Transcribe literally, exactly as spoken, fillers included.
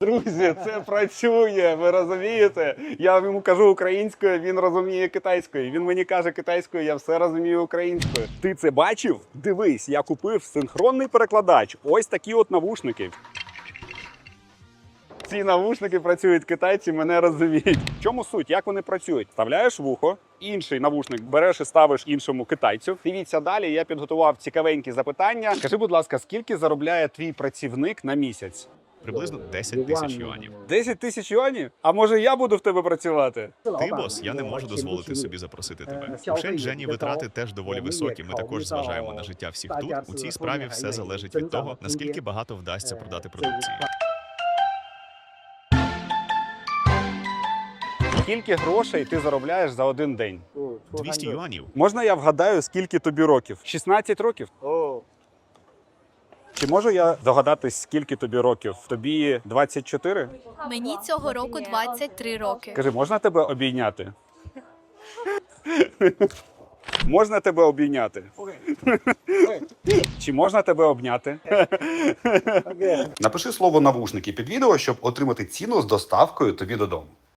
Друзі, це працює, ви розумієте? Я йому кажу українською, він розуміє китайською. Він мені каже китайською, я все розумію українською. Ти це бачив? Дивись, я купив синхронний перекладач. Ось такі от навушники. Ці навушники працюють китайці, мене розуміють. В чому суть? Як вони працюють? Вставляєш вухо, інший навушник береш і ставиш іншому китайцю. Дивіться далі, я підготував цікавенькі запитання. Скажи, будь ласка, скільки заробляє твій працівник на місяць? Приблизно десять тисяч юанів. десять тисяч юанів? А може я буду в тебе працювати? Ти, бос, я не можу дозволити собі запросити тебе. У Шенчжені витрати теж доволі високі. Ми також зважаємо на життя всіх тут. У цій справі все залежить від того, наскільки багато вдасться продати продукції. Скільки грошей ти заробляєш за один день? двісті юанів. Можна я вгадаю, скільки тобі років? шістнадцять років? Чи можу я догадатись, скільки тобі років? Тобі двадцять чотири? Мені цього року двадцять три роки. Кажи, можна тебе обійняти? Можна тебе обійняти? Чи можна тебе обняти? Напиши слово навушники під відео, щоб отримати ціну з доставкою тобі додому.